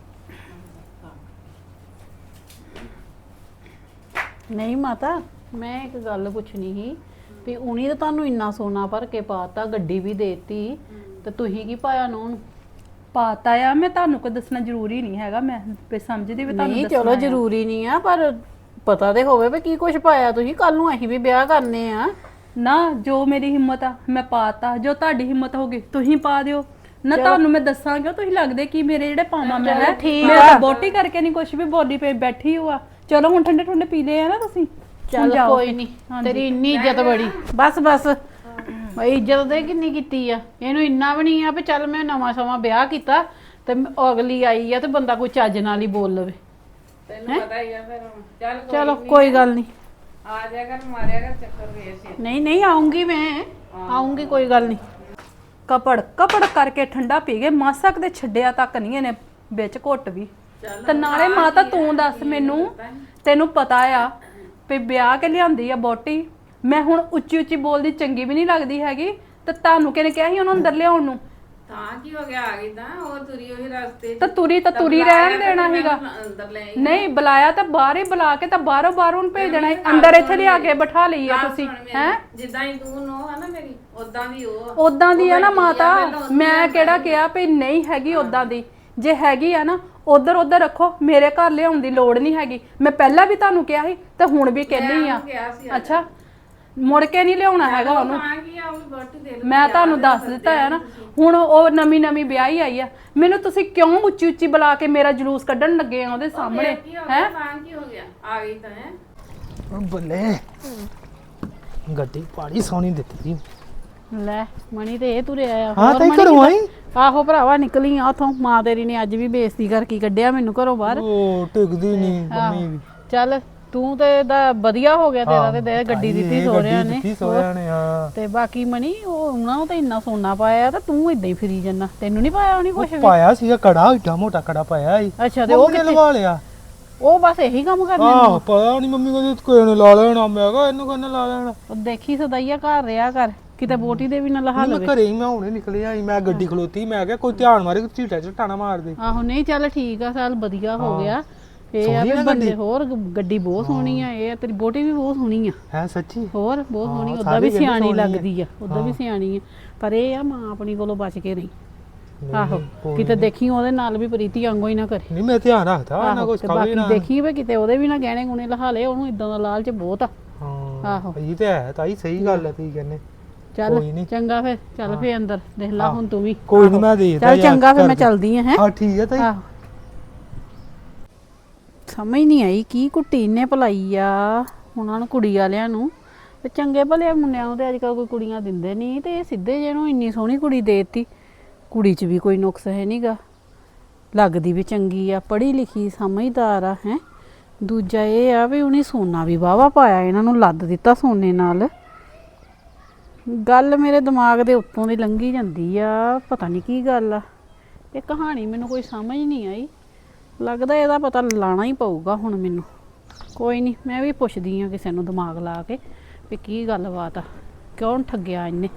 S4: ਨਹੀਂ ਮਾਤਾ, ਮੈਂ ਇੱਕ ਗੱਲ ਪੁੱਛਣੀ ਸੀ ਵੀ ਉਨੀ ਤਾਂ ਤੁਹਾਨੂੰ ਇੰਨਾ ਸੋਨਾ ਭਰ ਕੇ ਪਾਤਾ, ਗੱਡੀ ਵੀ ਦੇਤੀ, ਤੇ ਤੁਸੀਂ ਕੀ ਪਾਇਆ ਨੂੰ?
S1: ਪਾਤਾ ਆ, ਮੈਂ ਤੁਹਾਨੂੰ ਕੋਈ ਦੱਸਣਾ ਜ਼ਰੂਰੀ ਨਹੀਂ ਹੈਗਾ, ਮੈਂ ਵੀ ਸਮਝਦੀ ਵੀ ਤੁਹਾਨੂੰ
S4: ਨਹੀਂ ਚਲੋ ਜ਼ਰੂਰੀ ਨਹੀਂ ਆ, ਪਰ ਪਤਾ ਤੇ ਹੋਵੇ ਵੀ ਕੀ ਕੁਝ ਪਾਇਆ ਤੁਸੀਂ। ਕੱਲ ਨੂੰ ਅਸੀਂ ਵੀ ਵਿਆਹ ਕਰਨੇ ਆ
S1: ਨਾ। ਜੋ ਮੇਰੀ ਹਿੰਮਤ ਆ ਮੈਂ ਪਾਤਾ, ਜੋ ਤੁਹਾਡੀ ਹਿੰਮਤ ਹੋਗੀ ਤੁਸੀਂ ਪਾ ਦਿਓ ਨਾ। ਤੁਹਾਨੂੰ ਮੈਂ ਦੱਸਾਂਗਾ, ਤੁਸੀਂ ਲੱਗਦੇ ਕੀ ਮੇਰੇ ਜਿਹੜੇ ਪਾਵਾਂ ਮੈਂ ਹੈ। ਮੇਰਾ ਤਾਂ ਬੋਟੀ ਕਰਕੇ ਨਹੀਂ ਕੁਝ ਵੀ ਬੋਡੀ ਪੇ ਬੈਠੀ ਹੋਆ। ਚਲੋ ਹੁਣ ਠੰਡੇ ਠੰਡੇ ਪੀ ਲਏ ਆ ਨਾ ਤੁਸੀਂ।
S4: ਚੱਲ ਕੋਈ ਨਹੀਂ, ਤੇਰੀ ਇੰਨੀ ਇੱਜ਼ਤ ਬੜੀ। ਬਸ ਬਸ ਬਈ ਇੱਜ਼ਤ ਦੇ ਕਿੰਨੀ ਕੀਤੀ ਆ, ਇਹਨੂੰ ਇੰਨਾ ਵੀ ਨਹੀਂ ਆ ਵੀ ਚੱਲ ਮੈਂ ਨਵਾਂ ਸਮਾਂ ਵਿਆਹ ਕੀਤਾ ਤੇ ਅਗਲੀ ਆਈ ਆ ਤੇ ਬੰਦਾ ਕੋਈ ਚੱਜ ਨਾਲ ਹੀ ਬੋਲ ਲਵੇ।
S5: ਤੈਨੂੰ ਪਤਾ ਹੀ ਆ ਫਿਰ ਹੁਣ। ਚੱਲ
S4: ਚਲੋ ਕੋਈ ਗੱਲ ਨਹੀਂ,
S5: ਆ ਜਾ ਕਰ, ਮਾਰਿਆ ਕਰ ਚੱਕਰ ਵੇਸ।
S4: ਨਹੀਂ ਨਹੀਂ ਆਉਂਗੀ, ਮੈਂ ਆਉਂਗੀ, ਕੋਈ ਗੱਲ ਨਹੀਂ।
S1: ਕਪੜ ਕਪੜ ਕਰਕੇ ਠੰਡਾ ਪੀ ਗਏ, ਮਾਸਾ ਕਦੇ ਛੱਡਿਆ ਤੱਕ ਨਹੀਂ ਇਹਨੇ ਵਿੱਚ ਘੁੱਟ ਵੀ। ਤੇ ਨਾਲੇ ਮਾਤਾ ਤੂੰ ਦੱਸ ਮੈਨੂੰ, ਤੈਨੂੰ ਪਤਾ ਆ ਵੀ ਵਿਆਹ ਕੇ ਲਿਆਂਦੀ ਆ ਬੋਟੀ, ਮੈਂ ਹੁਣ ਉੱਚੀ ਉੱਚੀ ਬੋਲਦੀ ਚੰਗੀ ਵੀ ਨਹੀਂ ਲੱਗਦੀ ਹੈਗੀ। ਤੇ ਤੁਹਾਨੂੰ ਕਿਹਨੇ ਕਿਹਾ ਸੀ ਉਹਨੂੰ ਅੰਦਰ ਲਿਆਉਣ ਨੂੰ?
S5: ਤਾਂ ਕੀ ਹੋ ਗਿਆ, ਆ ਗਈ ਤਾਂ ਉਹ ਤੁਰੀ ਉਹੀ ਰਸਤੇ 'ਚ।
S1: ਤਾਂ ਤੁਰੀ ਰਹਿਣ ਦੇਣਾ ਸੀਗਾ।
S5: ਅੰਦਰ ਲੈ ਆਈ।
S1: ਨਹੀਂ ਬੁਲਾਇਆ ਤਾਂ ਬਾਹਰ ਹੀ ਬੁਲਾ ਕੇ ਤਾਂ ਬਾਹਰੋਂ ਨੂੰ ਭੇਜ ਦੇਣਾ ਸੀ। ਅੰਦਰ ਇੱਥੇ ਲਿਆ ਕੇ ਬਿਠਾ ਲਈ ਆ ਤੁਸੀਂ ਹੈ।
S5: ਜਿੱਦਾਂ ਹੀ ਤੂੰ ਨੋ ਹੈ ਨਾ ਮੇਰੀ, ਉਦਾਂ ਦੀ ਉਹ ਆ।
S1: ਉਦਾਂ ਦੀ ਆ ਨਾ ਮਾਤਾ, ਮੈਂ ਕਿਹੜਾ ਕਿਹਾ ਵੀ ਨਹੀਂ ਹੈਗੀ ਉਦਾਂ ਦੀ। ਜੇ ਹੈਗੀ ਆ ਨਾ ਉਧਰ ਉਧਰ ਰੱਖੋ, ਮੇਰੇ ਘਰ ਲਿਆਉਣ ਦੀ ਲੋੜ ਨਹੀਂ ਹੈਗੀ। ਮੈਂ ਪਹਿਲਾਂ ਵੀ ਤੁਹਾਨੂੰ ਕਿਹਾ ਸੀ ਤੇ ਹੁਣ ਵੀ ਕਹਿੰਦੀ ਆ।
S5: ਕਿਹਾ ਸੀ
S1: ਅੱਛਾ, ਮੁੜ ਕੇ ਨਹੀਂ ਲਿਆਉਣਾ ਹੈਗਾ ਉਹਨੂੰ।
S5: ਤਾਂ ਕੀ ਆ, ਉਹ ਵੀ ਬੋਟੀ ਦੇ ਲਓ।
S1: ਮੈਂ ਤੁਹਾਨੂੰ ਦੱਸ ਦਿੱਤਾ ਹੈ ਨਾ। ਹੁਣ ਉਹ ਨਵੀਂ ਵਿਆਹੀ ਆਈ ਆ, ਮੈਨੂੰ ਤੁਸੀਂ ਕਿਉਂ ਉੱਚੀ ਉੱਚੀ ਬੁਲਾ ਕੇ ਮੇਰਾ ਜਲੂਸ ਕੱਢਣ ਲੱਗੇ ਆ ਉਹਦੇ ਸਾਹਮਣੇ
S5: ਹੈ? ਤਾਂ ਕੀ ਹੋ ਗਿਆ, ਆ ਗਈ ਤਾਂ ਹੈ।
S3: ਬੱਲੇ ਗੱਡੀ ਪਾੜੀ ਸੋਹਣੀ ਦਿੱਤੀ।
S4: ਲੈ ਮਣੀ ਤੇ ਇਹ ਤੁਰਿਆ ਆ।
S3: ਹਾਂ
S4: ਹੋਰ
S3: ਤਾਂ
S4: ਮਣੀ
S3: ਘਰੋਂ ਆਈ?
S4: ਆਹੋ ਭਰਾਵਾ, ਨਿਕਲੀ ਆ ਉਥੋਂ। ਮਾਂ ਤੇਰੀ ਨੇ ਅੱਜ ਵੀ ਬੇਇੱਜ਼ਤੀ ਕਰਕੇ ਕੱਢਿਆ ਮੈਨੂੰ ਘਰੋਂ ਬਾਹਰ।
S3: ਉਹ ਟਿਕਦੀ ਨਹੀਂ ਮੰਮੀ ਵੀ।
S4: ਚੱਲ ਤੂੰ ਤੇ ਦਾ ਵਧੀਆ ਹੋ ਗਿਆ ਤੇਰਾ, ਤੇ ਦੇ ਗੱਡੀ ਦਿੱਤੀ ਸੋਹਰਿਆਂ ਨੇ।
S3: ਦਿੱਤੀ ਸੋਹਰਿਆਂ ਨੇ, ਹਾਂ।
S4: ਤੇ ਬਾਕੀ ਮਣੀ ਉਹ ਉਹਨਾਂ ਨੂੰ ਤਾਂ ਇੰਨਾ ਸੋਨਾ ਪਾਇਆ ਤੇ ਤੂੰ ਇਦਾਂ ਹੀ ਫਿਰੀ ਜੰਨਾ, ਤੈਨੂੰ ਨਹੀਂ ਪਾਇਆ ਉਹਨੇ ਕੁਛ ਵੀ?
S3: ਪਾਇਆ ਸੀਗਾ ਕੜਾ, ਏਡਾ ਮੋਟਾ ਕੜਾ ਪਾਇਆ ਸੀ।
S4: ਅੱਛਾ, ਤੇ ਉਹ
S3: ਕਿੱਥੇ ਲਵਾ ਲਿਆ?
S4: ਉਹ ਬਸ ਇਹੀ ਕੰਮ ਕਰਨੇ
S3: ਆਹ ਪਤਾ ਨਹੀਂ ਮੰਮੀ ਕਹਿੰਦੀ ਕੋਈ ਨੇ ਲਾ ਲੈਣਾ। ਮੈਂ ਕਿਹਾ ਇਹਨੂੰ ਕਹਿੰਦਾ ਲਾ ਲੈਣਾ।
S4: ਉਹ ਦੇਖੀ ਸਦਾਈਆ ਘਰ ਰਿਹਾ ਕਰ, ਕਿਤੇ ਬੋਟੀ ਦੇ ਵੀ ਨਾ ਲਹਾ
S3: ਮੈਂ
S4: ਲਵੇ।
S3: ਘਰੇ ਹੀ ਮੈਂ ਹੁਣੇ ਨਿਕਲਿਆ ਸੀ, ਮੈਂ ਗੱਡੀ ਖਲੋਤੀ, ਮੈਂ ਕਿਹਾ ਕੋਈ ਧਿਆਨ ਮਾਰੇ, ਝੀਟਾ ਝਟਾਣਾ ਮਾਰ ਦੇ।
S4: ਆਹੋ ਨਹੀਂ ਚੱਲ ਠੀਕ ਆ, ਚੱਲ ਵਧੀਆ ਹੋ ਗਿਆ। ਇਹ ਆ ਵੀ ਬੰਦੇ ਹੋਰ ਗੱਡੀ ਬਹੁਤ ਸੋਹਣੀ ਆ। ਇਹ ਤੇਰੀ ਬੋਟੀ ਵੀ ਬਹੁਤ ਸੋਹਣੀ ਆ।
S3: ਹੈ ਸੱਚੀ?
S4: ਹੋਰ ਬਹੁਤ ਸੋਹਣੀ, ਉਦਾਂ ਵੀ ਸਿਆਣੀ ਲੱਗਦੀ ਆ, ਉਦਾਂ ਵੀ ਸਿਆਣੀ ਆ। ਪਰ ਇਹ ਆ ਮਾਂ ਆਪਣੀ ਕੋਲੋਂ ਬਚ ਕੇ ਰਹੀ। ਆਹੋ ਕਿਤੇ ਦੇਖੀ ਉਹਦੇ ਨਾਲ ਵੀ ਪ੍ਰੀਤੀ ਵਾਂਗੂ ਹੀ ਨਾ ਕਰੇ।
S3: ਨਹੀਂ ਮੈਂ ਧਿਆਨ ਰੱਖਦਾ ਨਾ ਕੁਝ
S4: ਤੇ
S3: ਕਵੇ
S4: ਬਾਕੀ
S3: ਨਾ।
S4: ਦੇਖੀ ਵੀ ਕਿਤੇ ਉਹਦੇ ਵੀ ਨਾ ਗਹਿਣੇ ਗੁਣੇ ਲਹਾ ਲੇ, ਉਹਨੂੰ ਇਦਾਂ ਦਾ ਲਾਲਚ ਬਹੁਤ ਆ।
S3: ਹਾਂ
S4: ਆਹੋ
S3: ਇਹ ਤੇ ਹੈ ਤਾਈ, ਸਹੀ ਗੱਲ ਹੈ ਤੁਸੀਂ ਕਹਿੰਦੇ।
S4: ਚੱਲ
S3: ਕੋਈ ਨੀ।
S4: ਚੰਗਾ ਫਿਰ, ਚੱਲ ਫੇ ਅੰਦਰ ਦੇਖ ਲਾ ਹੁਣ ਤੂੰ ਵੀ।
S3: ਕੋਈ ਨਹੀਂ ਮੈਂ ਦੇਖਦਾ
S4: ਚੱਲ ਚੰਗਾ ਫਿਰ, ਮੈਂ ਚੱਲਦੀ ਆ ਹੈ।
S3: ਹਾਂ ਠੀਕ ਹੈ ਤਾਈ।
S4: ਆਹੋ ਸਮਝ ਨਹੀਂ ਆਈ ਕੀ ਕੁੱਟੀ ਇਹਨੇ ਭਲਾਈ ਆ ਉਹਨਾਂ ਨੂੰ, ਕੁੜੀ ਵਾਲਿਆਂ ਨੂੰ। ਤੇ ਚੰਗੇ ਭਲੇ ਮੁੰਡਿਆਂ ਨੂੰ ਤੇ ਅੱਜ ਕੱਲ ਕੋਈ ਕੁੜੀਆਂ ਦਿੰਦੇ ਨਹੀਂ, ਤੇ ਇਹ ਸਿੱਧੇ ਜਿਹਨੂੰ ਇੰਨੀ ਸੋਹਣੀ ਕੁੜੀ ਦੇਤੀ। ਕੁੜੀ 'ਚ ਵੀ ਕੋਈ ਨੁਕਸ ਹੈ ਨਹੀਂਗਾ, ਲੱਗਦੀ ਵੀ ਚੰਗੀ ਆ, ਪੜ੍ਹੀ ਲਿਖੀ ਸਮਝਦਾਰ ਆ ਹੈ। ਦੂਜਾ ਇਹ ਆ ਵੀ ਉਹਨੇ ਸੋਨਾ ਵੀ ਵਾਹਵਾ ਪਾਇਆ, ਇਹਨਾਂ ਨੂੰ ਲੱਦ ਦਿੱਤਾ ਸੋਨੇ ਨਾਲ। ਗੱਲ ਮੇਰੇ ਦਿਮਾਗ ਦੇ ਉੱਤੋਂ ਦੀ ਲੰਘੀ ਜਾਂਦੀ ਆ, ਪਤਾ ਨਹੀਂ ਕੀ ਗੱਲ ਆ। ਇਹ ਕਹਾਣੀ ਮੈਨੂੰ ਕੋਈ ਸਮਝ ਨਹੀਂ ਆਈ, ਲੱਗਦਾ ਇਹਦਾ ਪਤਾ ਲਾਣਾ ਹੀ ਪਊਗਾ ਹੁਣ ਮੈਨੂੰ। ਕੋਈ ਨਹੀਂ, ਮੈਂ ਵੀ ਪੁੱਛਦੀ ਆ ਕਿਸੇ ਨੂੰ ਦਿਮਾਗ ਲਾ ਕੇ ਵੀ ਕੀ ਗੱਲਬਾਤ ਆ, ਕਿਉਂ ਠੱਗਿਆ ਇਹਨੇ।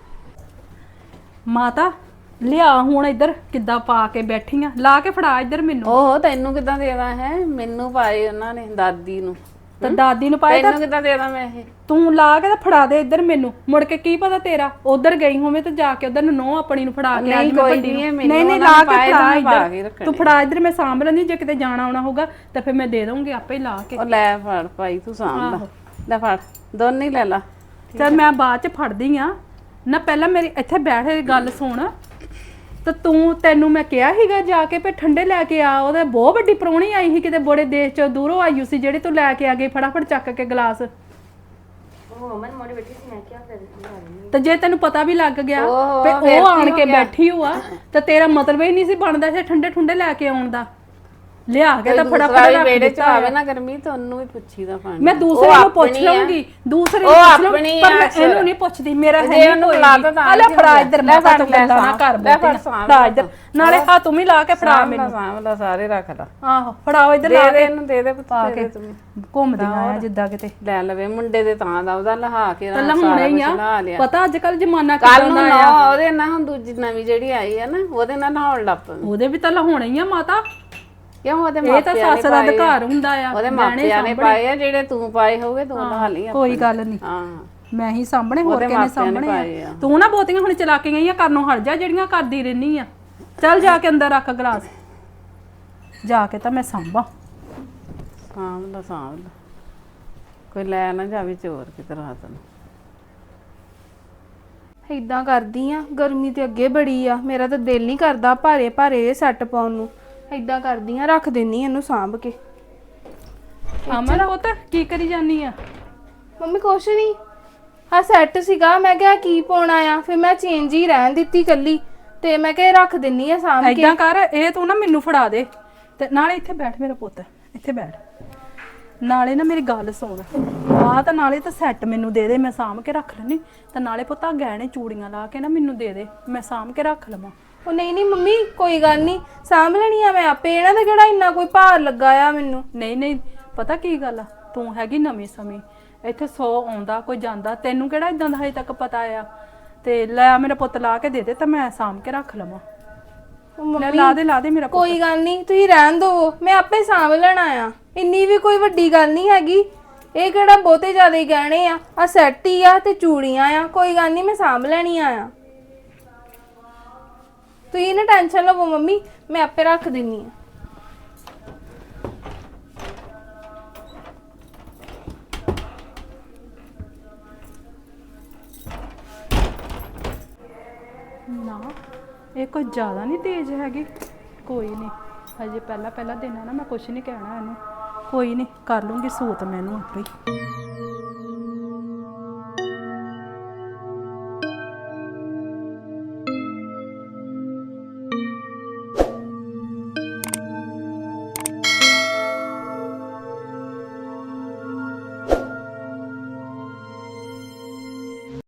S1: ਮਾਤਾ ਲਿਆ ਹੁਣ ਇੱਧਰ, ਕਿੱਦਾਂ ਪਾ ਕੇ ਬੈਠੀ ਆ, ਲਾ ਕੇ ਫੜਾ ਇੱਧਰ ਮੈਨੂੰ।
S5: ਓਹੋ ਤੈਨੂੰ ਕਿੱਦਾਂ ਦੇਦਾ ਹੈ? ਮੈਨੂੰ ਪਾਏ ਉਹਨਾਂ ਨੇ, ਦਾਦੀ ਨੂੰ।
S1: ਤੇ ਦਾਦੀ ਨੂੰ ਪਾਏ ਤਾਂ
S5: ਤੈਨੂੰ ਕਿੱਦਾਂ ਦੇਦਾ ਮੈਂ ਇਹ?
S1: ਤੂੰ ਲਾ ਕੇ ਤਾਂ ਫੜਾ ਦੇ ਇੱਧਰ ਮੈਨੂੰ, ਮੁੜ ਕੇ ਕੀ ਪਤਾ ਤੇਰਾ ਉਧਰ ਗਈ ਹੋਵੇਂ ਤੇ ਜਾ ਕੇ ਉਧਰ ਨੋ ਆਪਣੀ ਨੂੰ ਫੜਾ ਕੇ
S5: ਨਹੀਂ,
S1: ਅੱਜ ਮੈਂ
S5: ਕੋਈ
S1: ਵੱਡੀ
S5: ਨਹੀਂ,
S1: ਨੂੰ।
S5: ਮੈਨੂੰ
S1: ਨਹੀਂ
S5: ਉਹਨਾਂ
S1: ਲਾ
S5: ਨੇ
S1: ਕੇ
S5: ਪਾਏ
S1: ਫੜਾ
S5: ਤਾਂ ਮੈਂ ਪਾ ਕੇ
S1: ਇੱਧਰ,
S5: ਰੱਖਣੇ।
S1: ਤੂੰ ਫੜਾ ਇੱਧਰ, ਮੈਂ ਸਾਂਭ ਲੈਂਦੀ, ਜੇ ਕਿਤੇ ਜਾਣਾ ਆਉਣਾ ਹੋਊਗਾ ਤਾਂ ਫਿਰ ਮੈਂ ਦੇ ਦਊਂਗੀ ਆਪੇ ਹੀ ਲਾ ਕੇ।
S5: ਉਹ ਲੈ ਫੜ ਭਾਈ, ਤੂੰ ਸਾਂਭ ਲੈ, ਲੈ ਫੜ ਦੋਨੇ ਹੀ ਲੈ ਲਾ।
S1: ਚਲ ਮੈਂ ਬਾਅਦ ਚ ਫੜਦੀ ਆ ਨਾ, ਪਹਿਲਾਂ ਮੇਰੀ ਇੱਥੇ ਬੈਠ ਕੇ ਗੱਲ ਸੁਣ। ਤੇ ਤੈਨੂੰ ਮੈਂ ਕਿਹਾ ਸੀਗਾ ਜਾ ਕੇ ਪੇ ਠੰਡੇ ਲੈ ਕੇ ਆ, ਉਹਦੇ ਬਹੁਤ ਵੱਡੀ ਪ੍ਰਾਹੁਣੀ ਆਈ ਸੀ ਕਿਤੇ ਬੜੇ ਦੇਸ਼ ਚੋਂ ਦੂਰੋਂ ਆਈ ਸੀ, ਜਿਹੜੀ ਤੂੰ ਲੈ ਕੇ ਆ ਗਈ ਫਟਾਫਟ ਚੱਕ ਕੇ ਗਲਾਸ। ਤੇ ਜੇ ਤੈਨੂੰ ਪਤਾ ਵੀ ਲੱਗ ਗਿਆ
S5: ਓਹੋ,
S1: ਤੇ
S5: ਫਿਰ
S1: ਉਹ
S5: ਕੀ
S1: ਆਣ
S5: ਹੋ
S1: ਕੇ
S5: ਗਿਆ?
S1: ਬੈਠੀ ਹੋਆ ਤੇ ਤੇਰਾ ਮਤਲਬ ਹੀ ਨਹੀਂ ਸੀ ਬਣਦਾ ਸੀ ਠੰਡੇ ਠੁੰਡੇ ਲੈ ਕੇ ਆਉਣ ਦਾ। ਲਿਆ ਕੇ ਤਾਂ
S5: ਦੂਸਰਾ
S1: ਫਟਾਫਟ
S5: ਵੀ
S1: ਰੱਖ
S5: ਵਿਹੜੇ ਚ
S1: ਦਿੱਤਾ
S5: ਆਵੇ ਨਾ ਗਰਮੀ, ਤਾਂ ਉਹਨੂੰ ਵੀ ਪੁੱਛੀਦਾ ਪਾਣੀ।
S1: ਮੈਂ ਦੂਸਰੇ ਨੂੰ ਪੁੱਛ ਲਵਾਂਗੀ, ਦੂਸਰੇ ਨੂੰ
S5: ਉਹ
S1: ਪੁੱਛ ਲਵਾਂ,
S5: ਆਪਣੀ
S1: ਪਰ ਮੈਂ
S5: ਆ
S1: ਇਹਨੂੰ ਨਹੀਂ ਪੁੱਛਦੀ, ਮੇਰਾ ਹੈ
S5: ਜੇ
S1: ਨਹੀਂ
S5: ਉਹਨੂੰ
S1: ਕੋਈ
S5: ਬੁਲਾ
S1: ਵੀ।
S5: ਤਾ ਤਾਂ
S1: ਆ ਲੈ
S5: ਕੀ
S1: ਫੜਾ
S5: ਹੋ
S1: ਇੱਧਰ,
S5: ਗਿਆ?
S1: ਮੈਂ ਤਾਂ
S5: ਲੈ
S1: ਤੂੰ
S5: ਫੜ,
S1: ਗੱਲਾਂ ਨਾ ਕਰ
S5: ਲੈ ਫੜ,
S1: ਬੈਠੀ
S5: ਸਾਂਭ
S1: ਫੜਾ ਇੱਧਰ, ਨਾਲੇ ਆ ਤੂੰ ਵੀ ਲਾ ਕੇ ਫੜਾ ਮੈਨੂੰ।
S5: ਸਾਂਭ ਲਾ, ਸਾਰੇ ਰੱਖ ਲਾ।
S1: ਆਹੋ ਫੜਾਓ ਇੱਧਰ
S5: ਦੇ
S1: ਲਾ
S5: ਦੇ
S1: ਕੇ
S5: ਇਹਨੂੰ, ਦੇ ਦੇ ਪੁੱਤ,
S1: ਪਾ
S5: ਦੇ
S1: ਕੇ
S5: ਦੇ ਤੂੰ।
S1: ਘੁੰਮਦੀਆਂ ਆ ਜਿੱਦਾਂ ਕਿਤੇ।
S5: ਲੈ ਲਵੇ ਮੁੰਡੇ ਦੇ ਤਾਂ ਦਾ ਉਹਦਾ ਲਹਾ ਕੇ
S1: ਤਾਂ
S5: ਨਾ
S1: ਲਹਾਉਣਾ
S5: ਸਾਰਾ
S1: ਹੀ
S5: ਕੁਝ ਲਾ
S1: ਆ,
S5: ਲਿਆ।
S1: ਪਤਾ ਅੱਜ ਕੱਲ ਜ਼ਮਾਨਾ
S5: ਕੱਲ
S1: ਕਿਦਾਂ
S5: ਨੂੰ
S1: ਦਾ
S5: ਨਾ
S1: ਆ।
S5: ਉਹਦੇ ਨਾਲ ਹੁਣ ਦੂਜੀ ਨਵੀਂ ਜਿਹੜੀ ਆਈ ਆ ਨਾ, ਉਹਦੇ ਨਾਲ ਨਹਾਉਣ ਲੱਗ ਪਵੇ।
S1: ਉਹਦੇ ਵੀ ਤਾਂ ਲਹਾਉਣਾ ਹੀ ਆ ਮਾਤਾ,
S5: ਕਿਉਂ? ਉਹਦੇ
S1: ਇਹ ਤਾਂ
S5: ਮਾਪਿਆਂ ਨੇ
S1: ਸੱਸ ਦਾ
S5: ਪਾਏ ਆ।
S1: ਅਧਿਕਾਰ ਹੁੰਦਾ ਆ।
S5: ਉਹਦੇ
S1: ਗਹਿਣੇ
S5: ਮਾਪਿਆਂ ਨੇ
S1: ਸਾਂਭਣੇ।
S5: ਪਾਏ ਆ, ਜਿਹੜੇ ਤੂੰ ਪਾਏ ਹੋਵੇ ਤੂੰ ਨਹਾ ਲਈ।
S1: ਕੋਈ ਗੱਲ ਨਹੀਂ,
S5: ਹਾਂ,
S1: ਮੈਂ ਹੀ ਸਾਹਮਣੇ, ਹੋਰ
S5: ਉਹਦੇ
S1: ਕਿਹਨੇ
S5: ਮਾਪਿਆਂ ਨੇ ਪਾਏ
S1: ਸਾਹਮਣੇ
S5: ਆ।
S1: ਆ। ਤੂੰ ਨਾ ਬਹੁਤੀਆਂ ਹੁਣ ਚਲਾਕੀਆਂ ਹੀ ਆ ਕਰਨੋਂ ਹਟ ਜਾ, ਜਿਹੜੀਆਂ ਕਰਦੀ ਰਹਿਨੀ ਆ। ਚੱਲ ਜਾ ਕੇ ਅੰਦਰ ਰੱਖ ਗਲਾਸ, ਜਾ ਕੇ ਤਾਂ ਮੈਂ ਸਾਂਭਾਂ।
S5: ਸਾਂਭ ਲਾ, ਸਾਂਭ ਲਾ, ਕੋਈ ਲੈ ਨਾ ਜਾਵੇ ਚੋਰ ਕਿਤੇ ਰਾਤ ਨੂੰ।
S2: ਇਦਾਂ ਕਰਦੀ ਆ, ਗਰਮੀ ਤੇ ਅੱਗੇ ਬੜੀ ਆ, ਮੇਰਾ ਤਾਂ ਦਿਲ ਨਹੀਂ ਕਰਦਾ ਭਾਰੇ ਭਾਰੇ ਸੈੱਟ ਪਾਉਣ ਨੂੰ। ਇਦਾਂ ਕਰਦੀ ਆ, ਰੱਖ ਦਿੰਨੀ ਇਹਨੂੰ ਸਾਂਭ ਕੇ।
S1: ਅਮਨ ਪੁੱਤ ਕੀ ਕਰੀ ਜਾਨੀ ਆ?
S2: ਮੰਮੀ ਕੁਛ ਨਹੀਂ, ਆ ਸੈੱਟ ਸੀਗਾ, ਮੈਂ ਕਿਹਾ ਕੀ ਪਾਉਣਾ ਆ, ਫਿਰ ਮੈਂ ਚੇਂਜ ਹੀ ਰਹਿਣ ਦਿੱਤੀ ਕੱਲੀ, ਤੇ ਮੈਂ ਕਿਹਾ ਰੱਖ ਦਿੰਨੀ ਆ ਸਾਂਭ ਕੇ।
S1: ਏਦਾਂ ਕਰ, ਇਹ ਤੂੰ ਨਾ ਮੈਨੂੰ ਫੜਾ ਦੇ, ਤੇ ਨਾਲੇ ਇੱਥੇ ਬੈਠ ਮੇਰਾ ਪੁੱਤ, ਇੱਥੇ ਬੈਠ। ਨਾਲੇ ਨਾ ਮੇਰੀ ਗੱਲ ਸੁਣ, ਆ ਤਾਂ ਨਾਲੇ ਤਾਂ ਸੈੱਟ ਮੈਨੂੰ ਦੇ ਦੇ, ਮੈਂ ਸਾਂਭ ਕੇ ਰੱਖ ਲੈਣੀ। ਤੇ ਨਾਲੇ ਪੁੱਤ ਆ ਗਹਿਣੇ ਚੂੜੀਆਂ ਲਾ ਕੇ ਨਾ ਮੈਨੂੰ ਦੇ ਦੇ, ਮੈਂ ਸਾਂਭ ਕੇ ਰੱਖ ਲਵਾਂ।
S2: ਉਹ ਨਹੀਂ ਨਹੀਂ ਮੰਮੀ, ਕੋਈ ਗੱਲ ਨਹੀਂ, ਸਾਂਭ ਲੈਣੀ ਆ ਮੈਂ ਆਪੇ। ਇਹਨਾਂ ਦਾ ਕਿਹੜਾ ਇੰਨਾ ਕੋਈ ਭਾਰ ਲੱਗਾ ਆ ਮੈਨੂੰ।
S1: ਨਹੀਂ ਨਹੀਂ, ਪਤਾ ਕੀ ਗੱਲ ਆ, ਤੂੰ ਹੈਗੀ ਨਵੀਂ ਸਮੇਂ, ਇੱਥੇ 100 ਆਉਂਦਾ ਕੋਈ ਜਾਂਦਾ, ਤੈਨੂੰ ਕਿਹੜਾ ਇਦਾਂ ਦਾ ਹਜੇ ਤੱਕ ਪਤਾ ਆ। ਤੇ ਲੈ ਮੇਰਾ ਪੁੱਤ ਲਾ ਕੇ ਦੇ ਦੇ, ਤਾਂ ਮੈਂ ਸਾਂਭ ਕੇ ਰੱਖ ਲਵਾਂ।
S2: ਉਹ
S1: ਲੈ ਲਾ ਦੇ ਮੇਰਾ ਪੁੱਤ।
S2: ਕੋਈ ਗੱਲ ਨਹੀਂ, ਤੁਸੀਂ ਰਹਿਣ ਦਿਓ, ਮੈਂ ਆਪੇ ਸਾਂਭ ਲੈਣਾ ਆ। ਇੰਨੀ ਵੀ ਕੋਈ ਵੱਡੀ ਗੱਲ ਨਹੀਂ ਹੈਗੀ, ਇਹ ਕਿਹੜਾ ਬਹੁਤੇ ਜ਼ਿਆਦਾ ਹੀ ਗਹਿਣੇ ਆ ਸੈੱਟ ਹੀ ਆ ਤੇ ਚੂੜੀਆਂ ਆ, ਕੋਈ ਗੱਲ ਨਹੀਂ, ਮੈਂ ਸਾਂਭ ਲੈਣੀਆਂ ਆ। ਤੁਸੀਂ ਨਾ ਟੈਨਸ਼ਨ ਲਵੋ ਮੰਮੀ, ਮੈਂ ਆਪੇ ਰੱਖ ਦਿੰਨੀ ਆ।
S1: ਨਾ ਇਹ ਕੋਈ ਜ਼ਿਆਦਾ ਨਹੀਂ ਤੇਜ਼ ਹੈਗੀ, ਕੋਈ ਨਹੀਂ, ਹਜੇ ਪਹਿਲਾ ਦਿਨ ਆ ਨਾ, ਮੈਂ ਕੁਛ ਨਹੀਂ ਕਹਿਣਾ ਇਹਨੂੰ, ਕੋਈ ਨਹੀਂ, ਕਰ ਲੂੰਗੀ ਸੂਤ ਮੈਨੂੰ ਆਪੇ ਹੀ।